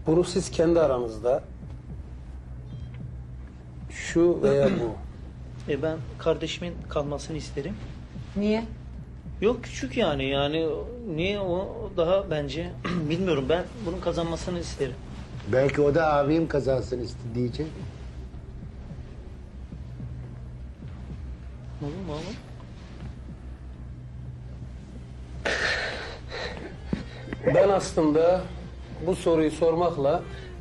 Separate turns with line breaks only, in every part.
Bunu siz kendi aranızda şu veya bu.
Ben kardeşimin kalmasını isterim.
Niye?
Yok küçük yani niye o daha bence bilmiyorum, ben bunun kazanmasını isterim.
Belki o da abim kazansın diyecek.
Olur mu oğlum?
Ben aslında bu soruyu sormakla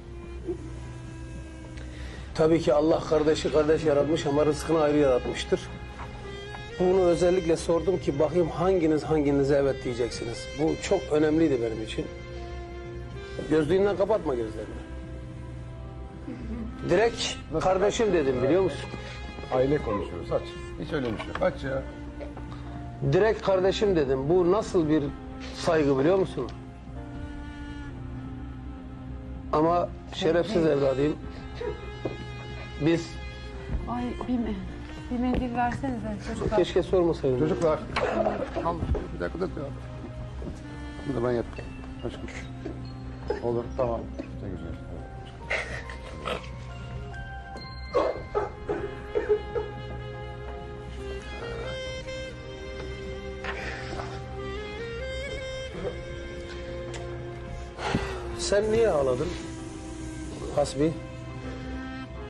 tabii ki Allah kardeşi kardeş yaratmış ama rızkını ayrı yaratmıştır. Bunu özellikle sordum ki bakayım hanginize evet diyeceksiniz. Bu çok önemliydi benim için. Gözlüğünden kapatma gözlerini. Direkt kardeşim dedim biliyor musun?
Aile konuşuyoruz. Aç. Hiç öyle bir şey yok. Aç ya.
Direkt kardeşim dedim. Bu nasıl bir saygı biliyor musun? Ama şerefsiz evladıyım. Biz
Ay bir mendil versenize çocuklar.
keşke sormasaydım.
Çocuklar. Al. Bir dakika da cevap. Bunu da ben yapayım. Aşkım. Olur. Tamam. Ne güzel. Evet.
Sen niye ağladın? Hasbi.